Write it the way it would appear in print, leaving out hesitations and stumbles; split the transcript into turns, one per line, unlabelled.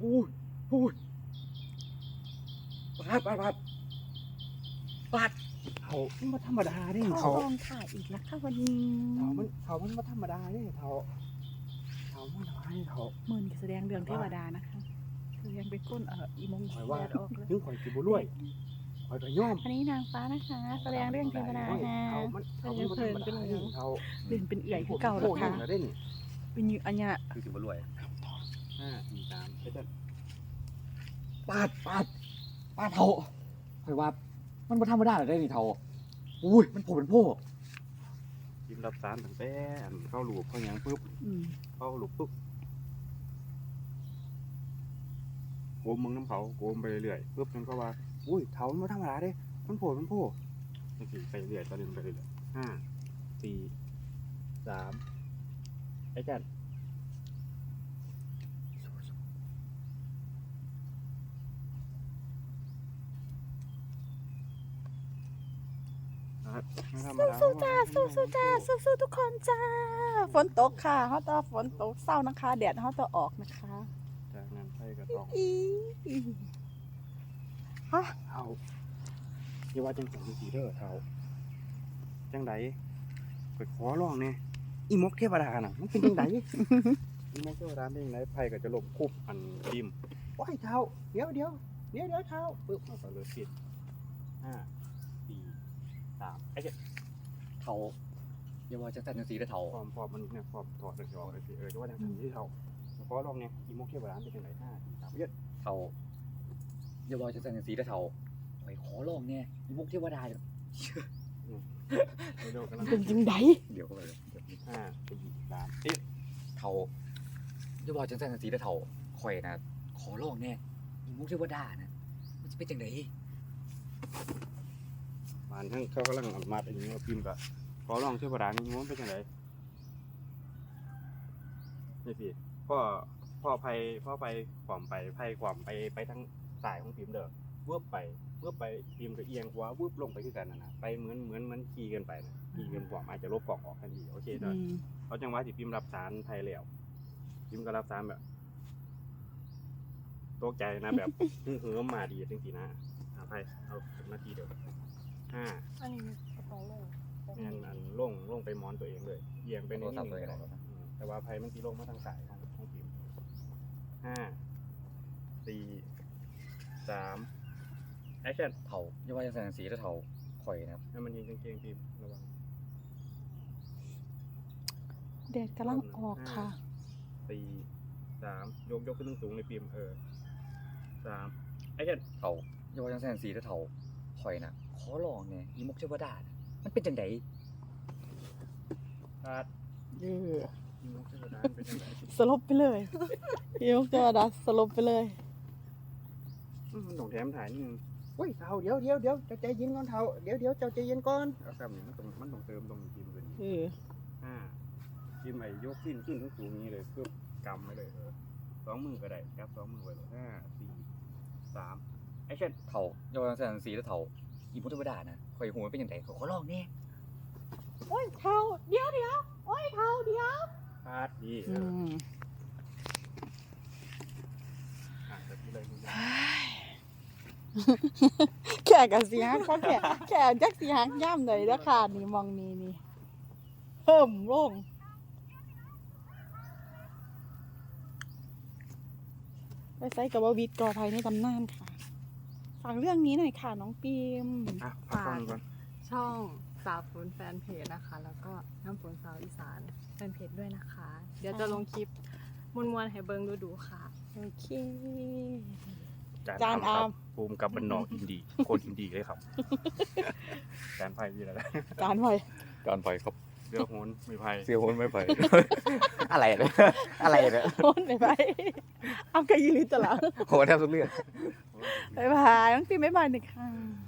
พูดพูดปาดเขามันมาธรรมดาเนี่ย
เขาลองถ่ายอีกแล้วค่ะวันนี้
เขามันมาธรรมดาเนี่ยเขามันน้อยเขา
เหมือนแสดงเรื่องเทวดานะคะแสดงเป็นก้นอีมง
คอยว่า
แดดออกเลย
ถึงคอยกินบุรุ่ยคอยก็ย่อม
อันนี้นางฟ้านะคะแสดงเรื่องเทวดาฮะ
เขามันธรรมดาเนี่ยเขา
เล่นเป็นเอื่อยคือเก่าแล้วค่ะ
โอ้ยได้นี่
เป็นอยู่อันเนี้ย
คือสิบรวย
5 4 3ไปเต้นปาดเขาคอยว่ามันมาธรรมดาได้นี่เขาอุ้ยมันโผล่เป็นโผล่ยิ้มรับสารตั้งแต่เข้าหลูกเขายังปุ๊บ เข้าหลูกปุ๊บโกมมึงน้ำเขาโกมไปเรื่อยๆปุ๊บมันก็ว่าอุ้ยเขามันธรรมดาเด้มันโผล่นี่สิไปเรื่อยตอนนี้ไปเรื่อย5 4 3ไอ้จัน
สู้จ้าสู้จ้าสู้ทุกคนจ้าฝนตกค่ะเขาจะฝนตกเศร้านะคะแดดเขาจะออกนะคะ
จากนั้นไปก็ต้อง
ฮะ
เอาอย่าว่าจังสันสีเด้อเท้าจังไดไปขอร้องเนี่ยอีมกเทวดาน่ะมันเป็นจังได อีมกเทวดาเป็นจังไดไผก็จะลบคุบอันดิมโอ้ยเท้าเดี๋ยวเท้าปึ๊บมันก็เลยผิด5 4 3ไอ้เจ้า
เขาอย่าว่าจังสันจังสีได้เท่า
ฟอร์มมันเนี่ยฟอร์มถอดเลยออกเลยสิจะว่าจังสันที่เท้าขอร้องเนี่ยอีมกเทวดาเป็นจังได5 4 3เยอะ
เท่าอย่าว่าจังสันจังสีได้เท่าไปขอลองเนี่ยมีมุกเทวดา
เร็วๆกันแล้ว
เป็นจังได
เดี๋ยวก็ไป
5 4 3
เท่าอย่าว่าจังสันจังสีได้เท่าคอยนะขอลองเนี่ยมีมุกเทวดานะมันจะเป็นจังได
มันทั้งเขากำลังอนุมัติอันนี้ว่าพิมพ์กับขอลองเทวดานี่มันเป็นยังไงนี่สิพ่อไปความไปไพ่ความไปทั้งสายของพิมพ์เด้อเวิบไปพิมพ์กับเอียงขวาเวิบลงไปที่กันนะไปเหมือนขี่กันไปนะขี่กันความอาจจะลบกล่องออกทันทีโอเคเด้อเขาจังหวะที่พิมพ์รับสารไทยแล้วพิมพ์ก็รับสารแบบตกใจนะแบบเหือมาดีจริงๆนะไพ่เอานาทีเดียว5
อันนี้กระเป๋าเลย
แม่นอันลงไปมอนตัวเองเลยเอียงไปในนี่แต่ว่าไพ่มันตีลงมาทางสายของพิมพ์5 4 3แอคชั่น
เท่าอย่าว่าจังสันจังสีได้เท่าคอยนะ
ให้มันยิงกางเกงพิมพ์ระวัง
แดดกำลังออกค่ะ
4 3ยกขึ้นสูงในพิมพ์3แอคชั่น
เท่าอย่าว่าจังสันจังสีได้เท่าคอยนะขอลองเนี่ยมีมุกเทวดานะมันเป็นจังได
ขาด
เออ
มุกเทวดาเป็นยังไง
สลบไปเลยยกเทวดาสลบไปเลย
มันต้องแถมถ่ายนิดนึงเฮ้ยเท้าเดี๋ยวเจ้าใจเย็นก่อนเท้าเดี๋ยวเจ้าใจเย็นก่อนเอาคำนี้มันต้องเติมตรงพิมพ์เลย พิมพ์ไอ้ยกขึ้นสูงนี้เลยเพื่อกำไว้เลย2 มือก็ได้จับ2 มือไว้เลย5 4 3แอคชั่น
เท่าอย่าว่าจังสันจังสีได้เท่าอีมุกเทวดานะคอยหูมันเป็นจังไดขอลองเนี่ย
โอ้ยเท้าเดี๋ยวโอ้ยเท้าเดี๋ยว
พาดดีแต่ที่เลย
แข่กับสีฮักเขาแข่จักสีฮักย่ำเลยแล้วค่ะนี่มองนี่เพิ่มลงไปไซต์กับว่าวิทย์กอภัยในตำนานค่ะฟังเรื่องนี้หน่อยค่ะน้องปิม
ฟังก่อน
ช่องสาวฝนแฟนเพจนะคะ แล้วก็น้ำฝนสาวอีสานแฟนเพจด้วยนะคะ เดี๋ยวจะลงคลิปมวนๆให้เบิงดูค่ะ
โอเค
จานอามภูมิกับบันนอกอินดีคนอินดีเลยครับจานไพ่ยี่อะไร
จานไว้
การไปครับ
เรือโหนไม่ไพ่
เสียคนไม่ไป อะไรเนี่ยอะไรเนี่ย
โอนไปเอากระยิลิตละ
โหแทบทุกเรื่อง
บ๊ายบายน้องปิมบ๊ายบายหนึ่งค่ะ